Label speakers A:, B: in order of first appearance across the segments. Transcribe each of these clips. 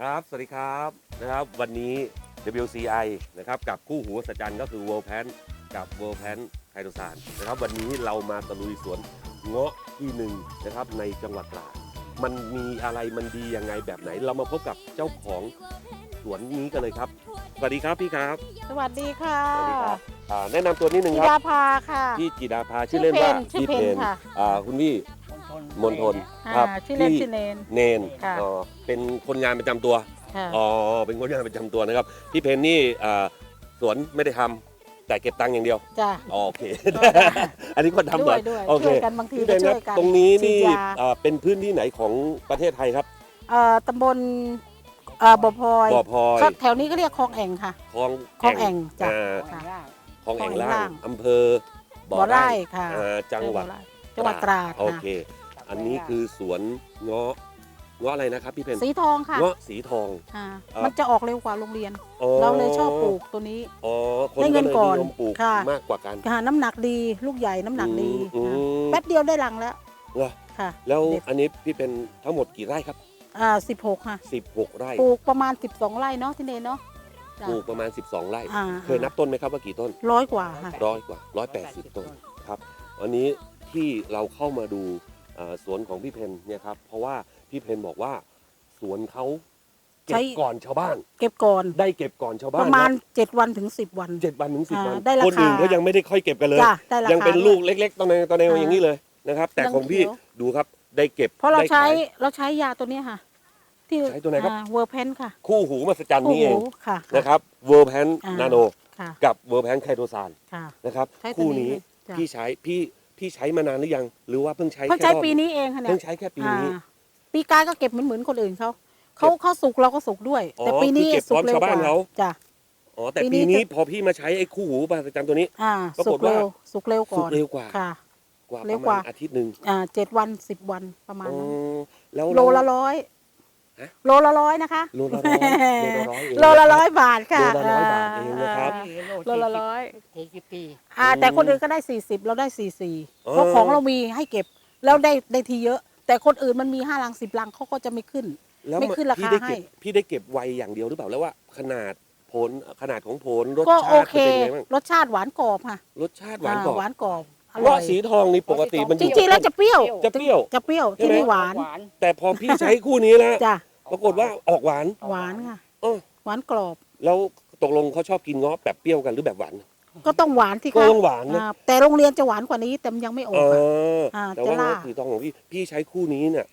A: ครับสวัสดีครับนะครับวันนี้ WCI นะครับกับคู่หูสัจจันก็คือ World Pan กับ World Pan ไคโตซานนะครับวันนี้เรามาตะลุยสวนเงาะที่หนึ่งนะครับในจังหวัดตราดมันมีอะไรมันดียังไงแบบไหนเรามาพบกับเจ้าของสวนนี้กันเลยครับสวัสดีครับพี่ครับ
B: สวัสดีค่ะ
A: สวัสดีครับแนะนำตัวนิดนึงค
B: จิ
A: รับ
B: ดาภาค่ะ
A: พี่จิดาภาชื่อเล่นว่า
B: ชื่อเพนค่ะ
A: คุณพี่มนทน
B: ชื่อเล่นชื่อเนน
A: เนนเป็นคนงานประจำตัวเป็นคนงานประจำตัวนะครับพี่เพนนี่สวนไม่ได้ทำแต่เก็บตังค์อย่างเดียว
B: จ้ะ
A: โอเคอันนี้ก็ทำเหรอโอเค
B: ช่วยกันบางทีก็ช่วยกัน
A: ตรงนี้นี่เป็นพื้นที่ไหนของประเทศไทยครับ
B: ตำบลบ่อพลอยแถวนี้ก็เรียกคลองแอ่งค่ะคลองแอ่งจ้ะ
A: คลองแอ่งล่างอำเภอ
B: บ่อไร่ค่ะ
A: จังหวัด
B: ตราด
A: โอเคอันนี้คือสวนเงาะอะไรนะครับพี่เพน
B: สีทองค่ะ
A: เงาะสีทอง
B: มันจะออกเร็วกว่าโรงเรียนเราเลยชอบปลูกตัวนี้
A: ได้เงินก่อนปลูกมากกว่ากัน
B: น้ำหนักดีลูกใหญ่น้ำหนักดีแป๊บเดียวได้รังแล้ว
A: ค่ะแล้วอันนี้พี่เป็นทั้งหมดกี่ไร่ครับ
B: 16ค่ะ
A: 16 ไร่
B: ปลูกประมาณ12 ไร่เนาะที่เนเนาะ
A: ปลูกประมาณ12 ไร่เคยนับต้นไหมครับว่ากี่ต้น
B: 100 กว่าค่ะ
A: 100 กว่า180 ต้นครับวันนี้ที่เราเข้ามาดูสวนของพี่เพนเนี่ยครับเพราะว่าพี่เพนบอกว่าสวนเขาเก็บก่อนชาวบ้าน
B: เก็บก่อน
A: ได้เก็บก่อนชาวบ้าน
B: ประมาณ7 วันถึง10 วัน
A: 7 วันถึง10 วัน
B: คน
A: อื่นก็ยังไม่ได้ค่อยเก็บกันเลยยังเป็นลูกเล็กๆตอนในอย่างนี้เลยนะครับแต่ของพี่ดูครับได้เก็บ
B: เพราะเราใช้ยาตัวนี้ค่ะ
A: ที่ใช้ตัวไหนครับ
B: เวอร์แพนค่ะ
A: คู่หูมหัศจรรย์นี่เองนะครับเวอร์แพนนาโนกับเวอร์แพนไคโตซานนะครับคู่นี้พี่ใช้มานานหรือยังหรือว่าเพิ่งใช้
B: ปีนี้เองค่ะเนี่ย
A: เพิ่งใช้แค่ปีนี้
B: ปีกายก็เก็บเหมือนคนอื่นเขาสุกเราก็สุกด้วยแต่ปีนี้
A: สุกเร็วกว่าจ้ะแต่ปีนี้พอพี่มาใช้ไอ้คู่หูมหัศจรรย์ตัวนี้ปรากฏว่า
B: สุกเร็วกว่า
A: ค่ะกว่าประมาณอาทิตย์นึง
B: 7 วัน10 วันประมาณนั้น
A: แล้ว
B: โลละ100นะคะ
A: โลละ
B: 100 บาทค่ะ
A: โลละ100 บาทเองนะครับ
B: โลละ100แต่คนอื่นก็ได้40เราได้44เพราะของเรามีให้เก็บแล้วได้ทีเยอะแต่คนอื่นมันมี5 ลัง10 ลังเขาก็จะไม่ขึ้นราคาให้
A: พี่ได้เก็บไวอย่างเดียวหรือเปล่าแล้วว่าขนาดของผลรสชาติ
B: เป็นยังไงบ้างรสชาติหวานกรอบค่ะ
A: รสชาติหวานกรอบ
B: เงาะ
A: สีทองนี่ปกติมัน
B: จริงๆแล้วจะเปรี้ยวที่นี่หวาน
A: แต่พอพี่ใช้คู่นี้แล้วปรากฏว่าออกหวาน
B: ค่ะหวานกรอบ
A: แล้วตกลงเขาชอบกินเงาะแบบเปรี้ยวกันหรือแบบหวาน
B: ก็ต้องหวานที่
A: ก็ต้องหวานนะ
B: แต่โรงเรียนจะหวานกว่านี้แต่ยังไม่ออก
A: แต่ว่าสีทองของพี่ใช้คู่นี้เนี่ย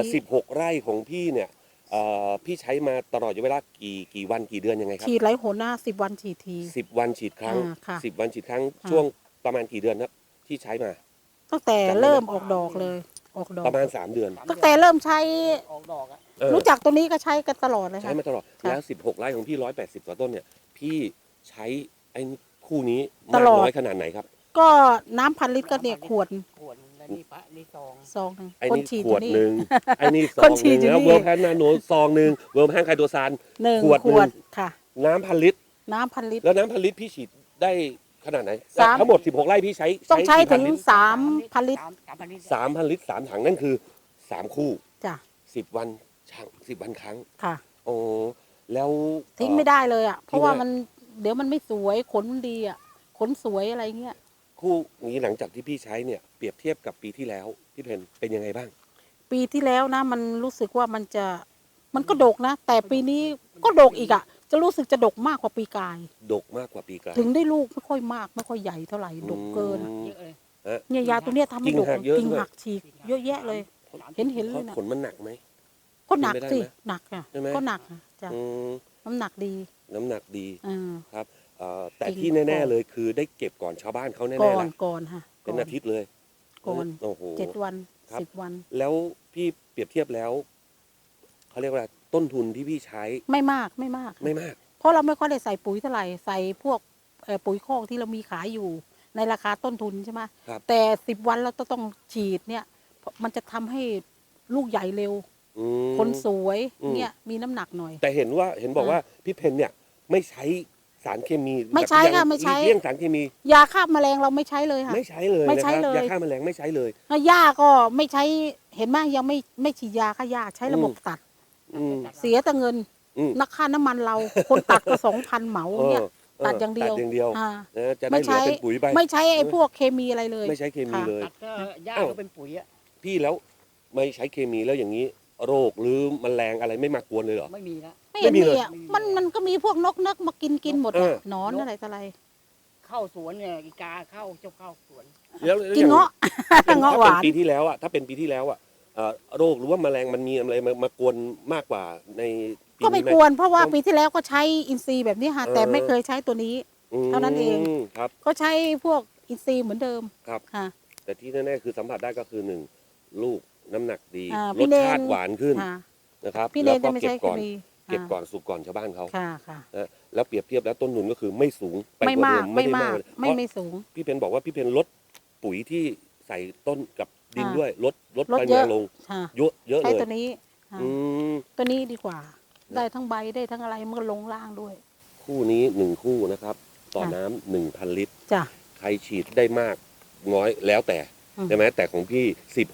A: 16 ไร่ของพี่เนี่ยพี่ใช้มาตลอดเวลากี่วันกี่เดือนยังไงครับ
B: ฉีดไรหน10 วันฉีดที
A: 10 วันฉีดครั้ง10 วันฉีดครั้งช่วงประมาณกี่เดือนครับที่ใช้มา
B: ตั้งแต่เริ่มออกดอกเลย
A: ประมาณ3 เดือน
B: ตั้งแต่เริ่มใช้ออกดอกรู้จักตัวนี้ก็ใช้กันตลอดเลย
A: ใช้มาตลอดแล้ว16 ไร่ของพี่180 กว่าต้นเนี่ยพี่ใช้ไอ้คู่นี้มากน้อยขนาดไหนครับ
B: ก็น้ำ1,000 ลิตรก็เนี่ยขวดซอง
A: ไอ้นี่ขวดหนึ่งไอ้นี่ซองนึงแล้วเวอร์แพนนาโนซองนึงเวอร์แพนไคโตซานขวดนึง
B: ค่ะ
A: น้ำ1,000 ลิตรแล้วน้ำ1,000 ลิตรพี่ฉีดได้ขนาดไหนทั้งหมด16 ไร่พี่
B: ต้องใช้ถึง3,000 ลิตร
A: 3,000 ลิตร3 ถังนั่นคือ3 คู่
B: จ้ะ
A: 10 วัน10 วันครั้ง
B: ค่ะ
A: โอ้แล้ว
B: ทิ้งไม่ได้เลยเพราะว่ามันเดี๋ยวมันไม่สวยขนมันดีขนสวยอะไรเงี้ย
A: คู่นี้หลังจากที่พี่ใช้เนี่ยเปรียบเทียบกับปีที่แล้วพี่เพนเป็นยังไงบ้าง
B: ปีที่แล้วนะมันรู้สึกว่ามันก็ดกนะแต่ปีนี้ก็ดกอีกจะรู้สึกจะดกมากกว่าปีกาย
A: ดกมากกว่าปีกาย
B: ถึงได้ลูกไม่ค่อยมากไม่ค่อยใหญ่เท่าไหร่ดกเกินเนี่ยยาตัวเนี้ยทำให้ดกกิ่งหักฉีกเยอะแยะเลยเห็นเลยนะ
A: ผลมันหนักไหม
B: ก็หนักสิหนักก็หนักจ้ะน้ำหนักดี
A: ครับแต่ที่แน่ๆเลยคือได้เก็บก่อนชาวบ้านเขาแน่ๆ
B: ละก่อนค่ะ
A: เป็นอาทิตย์เลย
B: ก่อน7 วัน10 วัน
A: แล้วพี่เปรียบเทียบแล้วเขาเรียกว่าต้นทุนที่พี่ใช้
B: ไม่มากเพราะเราไม่ค่อยได้ใส่ปุ๋ยเท่าไหร่ใส่พวกปุ๋ยคอกที่เรามีขายอยู่ในราคาต้นทุนใช่ไหมแต่10 วันเราต้องฉีดเนี่ยมันจะทำให้ลูกใหญ่เร็วคนสวยเนี่ยมีน้ำหนักหน่อย
A: แต่เห็นบอกว่าพี่เพนเนี่ยไม่ใช้สารเคมี
B: ไม่ใช้ค่ะไม่ใช้
A: เลี่ยงสารเคมี
B: ยาฆ่าแมลงเราไม่ใช้เลยค่ะ
A: ไม่ใช้เลยนะครับยาฆ่าแมลงไม่ใช้เลย
B: หญ้าก็ไม่ใช้เห็นไหมยังไม่ฉีดยาฆ่าหญ้าใช้ระบบตัดเสียแต่เงินนักค่าน้ำมันเรา คนตัดก็2,000เหมาเนี่ยตัดอย่างเดียว
A: ตัดอย่างเดียว
B: อ่า
A: นะจะได้เหลือเป็นปุ๋ยไป
B: ไม่ใช้ไอ้พวกเคมีอะไรเลย
A: ไม่ใช้เคมีเลย
C: ตัดก็หญ้าก็เป็นปุ๋ยอ่ะ
A: พี่แล้วไม่ใช้เคมีแล้วอย่างนี้ โรคหรือแมลงอะไรไม่มากวนเลยเหรอ
C: ไม่มีละ
B: ไม่เห็น
A: ไม่มี
B: มี
A: เลย
B: อ่ะมันก็มีพวกนกมากินหมด
A: เอ
B: อะ
A: อ
B: หนอนอะไรต่ออะไร
C: เข้าสวนเนี่ยอีกาเข้าสวน
A: แล้ว
B: กินเงาะ เงาะหวาน
A: ถ้าเป็นปีที่แล้วอะถ้าเป็นปีที่แล้วอะโรคหรือว่าแมลงมันมีอะไรมากวนมากกว่าในปี
B: ก็ไม่
A: นี้ห
B: ควรเพราะว่าปีที่แล้วก็ใช้อินทรีย์แบบนี้ค่ะ
A: เออ
B: แต่ไม่เคยใช้ตัวนี้ เท่านั้นเอง
A: ครับ
B: ก็ใช้พวกอินทรีย์เหมือนเดิม
A: ครับ
B: ค่ะ
A: แต่ที่แน่ๆคือสัมผัสได้ก็คือหนึ่งลูกน้ำหนักดี
B: อ่าร
A: สชาติหวานขึ้น
B: ค่ะ
A: นะครับ
B: พี่เน
A: แล้ว
B: น
A: ก็
B: จะไม่
A: เก็
B: ใช้
A: บ
B: เค
A: ก่อน
B: มี
A: เก็บก่อนสุกก่อนชาวบ้านเขา
B: ค่ะค่ะ
A: แล้วเปรียบเทียบแล้วต้นทุนก็คือไม่สูงไป
B: ไม่
A: กว่าเดิ
B: มาก
A: ม
B: ไม่
A: ด้
B: มาก
A: เลย
B: ไม่
A: เพราะ
B: ไม่สูง
A: พี่เพนบอกว่าพี่เพนลดปุ๋ยที่ใส่ต้นกับดิน
B: อ่า
A: ด้วยลด
B: ลด
A: ปริ
B: เย
A: มา
B: อะ
A: ณลง
B: ค่ะ
A: เยอะ
B: ใช้
A: เลย
B: ตัวนี้ค่ะ
A: อืม
B: ตัวนี้ดีกว่า ได้ทั้งใบได้ทั้งอะไรมันก็ลงล่างด้วย
A: คู่นี้1คู่นะครับ ต่อ
B: ค่ะ
A: น้ำ1,000 ลิตร
B: จ้ะ
A: ใครฉีดได้มากน้อยแล้วแต่
B: อืม
A: ใช่ไหมแต่ของพี่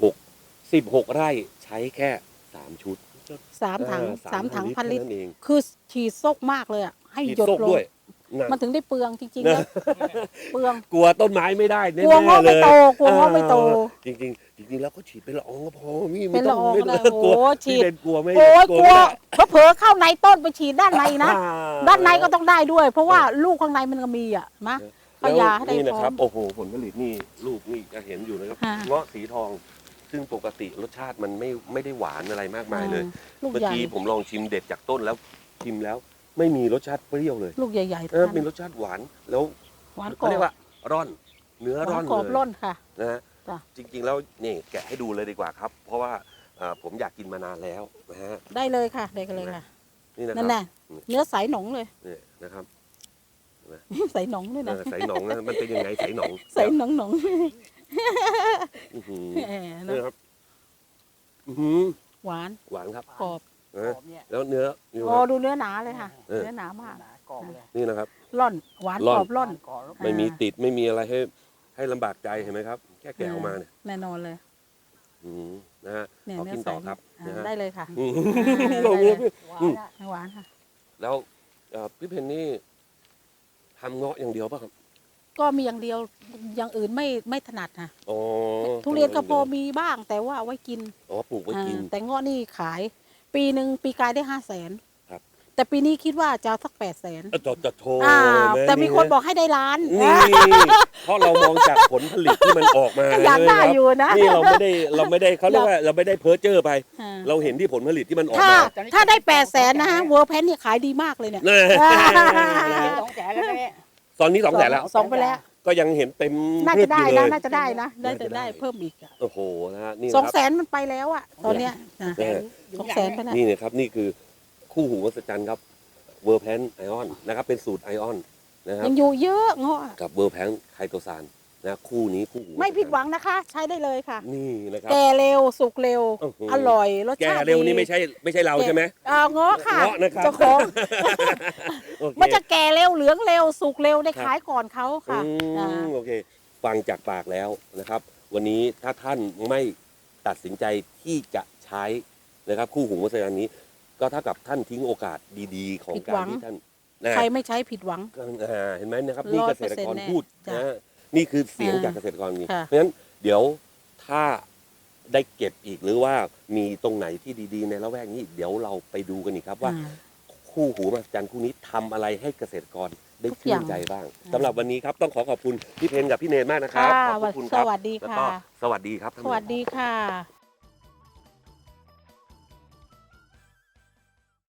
A: 16 ไร่ใช้แค่3 ชุด
B: 3 ถัง
A: ลิตร
B: 1,000 ลิตร
A: แค่นั้นเอง
B: คือฉีดซกมากเลยอ่ะให้
A: ฉีด
B: หยด
A: โซก
B: ลง
A: ด้วยนะ
B: มันถึงได้เปลืองจริงๆแล้วเปลือง
A: กลัวต้นไม้ไม่ได้แน่
B: กลัวเงาะ
A: ๆเล
B: ไม่
A: ย
B: โตกลัวเงาะไม่โต
A: จริงๆแล้วก็ฉีดเป็นละอองก็พอพี่
B: เป็นละออง
A: ไม่
B: ก็ได้
A: กลัว
B: โอ้ฉี
A: พี่
B: ด
A: เป็นกลัวไม่
B: โอ้ยกลัว
A: ไม่ได้
B: เผลอๆเข้าในต้นไปฉีดด้านในนะ
A: อ่
B: ด้านในก็ต้องได้ด้วย เพราะว่าลูกข้างในมันก็มีอ่ะนะ
A: แล้ว
B: เอายาให้ได้
A: นี่นะ
B: พร้อม
A: ครับโอ้โหผลผลิตนี่ลูกนี่จะเห็นอยู่นะครับ
B: ค่ะ
A: เงาะสีทอง ซึ่งปกติรสชาติมันไม่ได้หวานอะไรมากมายเลย
B: ลูก
A: เมื่อ
B: ใหญ่
A: กี้ผมลองชิมเด็ดจากต้นแล้วชิมแล้ว ไม่มีรสชาติเปรี้ยวเลย
B: ลูกใหญ่ๆ
A: เออ
B: ทั้ง
A: เป็น
B: นั้น
A: รสชาติหวานแล้ว
B: หวานกร
A: เขา
B: อ
A: เรียก
B: บ
A: ว่าร่อน เนื้อ
B: ห
A: ร่
B: วา
A: อน น
B: กรอบ
A: เลย
B: ร่อนค่ะ
A: นะฮะ
B: จ้ะ
A: จริงๆแล้วนี่แกะให้ดูเลยดีกว่าครับ เพราะว่าผมอยากกินมานานแล้วนะฮะ
B: ได้เลยค่ะได้กันเลยค่ะ
A: นี่นะค
B: นั่
A: รั
B: น
A: บ
B: น่ะเนื้อใสหนองเลย
A: นี่นะครับ
B: ใสหนองด้วยนะ
A: ใส่หนองนะมันเป็นยังไงใส่หนอง
B: ใสหนองหนอง
A: อื้อหือ
B: แหมนะ
A: นี่ครับอื้อหือ
B: หวาน
A: หวานครับ
B: กรอบ
A: นะ
C: กรอบเนี่ย
A: แล้วเนื้อนี่
B: โอ้
A: ครับ
B: ดูเนื้อหนาเลยค่ะ
A: เออ
B: เนื้อหนามาก
C: กรอบเลย
A: นี่นะครับ
B: ร่อนหวาน
A: ร่อน
B: กรอบร่อน
C: กรอบ
A: ไม่มีติดไม่มีอะไรให้ลำบากใจเห็นไหมครับ แค่แกะออกมาเนี่ย
B: แน่นอนเลย
A: อื้อหือนะฮะ
B: เนี่ย
A: ขอ
B: เนื้อ
A: กิน
B: ใส
A: ต่อครับ
B: อ่า
A: นะฮะ
B: ได้เลยค่ะ
A: อื้อ
B: ได้เลย
C: หวานอะ
B: หวานค่ะ
A: แล้วพี่เพนนี่ทำเงาะอย่างเดียวป่ะครับ
B: ก็มีอย่างเดียวอย่างอื่นไม่ถนัดค่ะ
A: อ๋อ
B: ทุเรียนก็พอมีบ้างแต่ว่าเอาไว้กิน
A: อ๋อปลูกไว้กิน
B: แต่เงาะนี่ขาย ปีหนึ่งปีกายได้500,000
A: ครับ
B: แต่ปีนี้คิดว่าจะเอาสัก800,000
A: จะโทร
B: แต่มีคนบอกให้ได้ล้าน
A: นี่เพราะเรามองจากผลผลิตที่มันออกมา
B: ก็อยากได้อยู่นะ
A: นี่เราไม่ได้เขาเรียกว่าเราไม่ได้เพ้อเจ้อไป
B: อ่า
A: เราเห็นที่ผลผลิตที่มันออก
B: ถ้า
A: มา
B: ถ้าได้800,000นะฮะเวอร์แพนเนี่ยขายดีมากเลยเนี่ย
A: แน่
C: 200,000แล้วเนี่ย
A: ตอนนี้200,000แล้ว
B: สองไปแล้ว
A: ก็ยังเห็นเต็ม
B: น่า
A: พื
B: จะ
A: ช
B: ได้
A: อยู่เล
B: นะ
A: ย
B: น่าจะได้นะได้
A: น่าจะได้
B: ได้เพิ่มอีกอะ
A: โอ้โหนะฮะนี่นะ
B: สอง
A: ค
B: แส
A: รับ
B: นมันไปแล้วอะตอนเนี้ยนะ
A: แน่
B: 200,000ไปแล้ว
A: นี่นะครับนี่คือคู่หูวัสจันครับเวอร์แพนไอออนนะครับเป็นสูตรไอออนนะครับ
B: ยังอยู่เยอะเงาะ
A: กับเวอร์แพนไคโตซานนะคู่นี้คู่หู
B: ไม่ผิดหวังนะคะ ใช้ได้เลยค่ะ
A: นี่นะครับ
B: แก่เร็วสุกเร็ว
A: โอ้โห
B: อร่อยรส
A: แก
B: ชาติ
A: เร็วนี่
B: ดี
A: ไม่ใช่เราใช่ไหม
B: เงาะค่ะ
A: เงาะนะครับ
B: เจ้าของ
A: โอเค
B: มันจะแก่เร็วเหลืองเร็วสุกเร็วได้ขายก่อนเขาค่ะ
A: อืมโอเค ฟังจากปากแล้วนะครับ วันนี้ถ้าท่านไม่ตัดสินใจที่จะใช้นะครับ คู่หูวัสจันนี้ ก็เท่ากับท่านทิ้งโอกาสดีๆ ของ
B: ผิด
A: กา
B: หวั
A: รง ที่ท่านนะ
B: ใครไม่ใช้ผิดหวัง
A: เห็นไหมนะครับนี่เกษตรกร
B: 100%
A: พูด
B: จ้ะ
A: นะนี่คือเสียง
B: อ่า
A: จากเกษตรกรจริง
B: ค่ะ
A: เพราะฉะนั้นเดี๋ยวถ้าได้เก็บอีกหรือว่ามีตรงไหนที่ดีๆ ในละแวกนี้ เดี๋ยวเราไปดูกันอีกครับว่า
B: อ่า
A: คู่หูมหัศจรรย์คู่นี้ทำอะไรให้เกษตรกรได้
B: ทุก
A: ชื่
B: อน ย่าง
A: ใจบ้าง
B: อ่า
A: สำหรับวันนี้ครับต้องขอบคุณพี่เพนกับพี่เนนมากนะครับ
B: ค่ะ
A: ขอบพระคุณค
B: ส
A: รับ
B: วัสดี
A: แล้ว
B: ค่ะ
A: ก็สวัสดีครับท่าน
B: ส
A: ผู้ชม
B: วัสดีค่ะ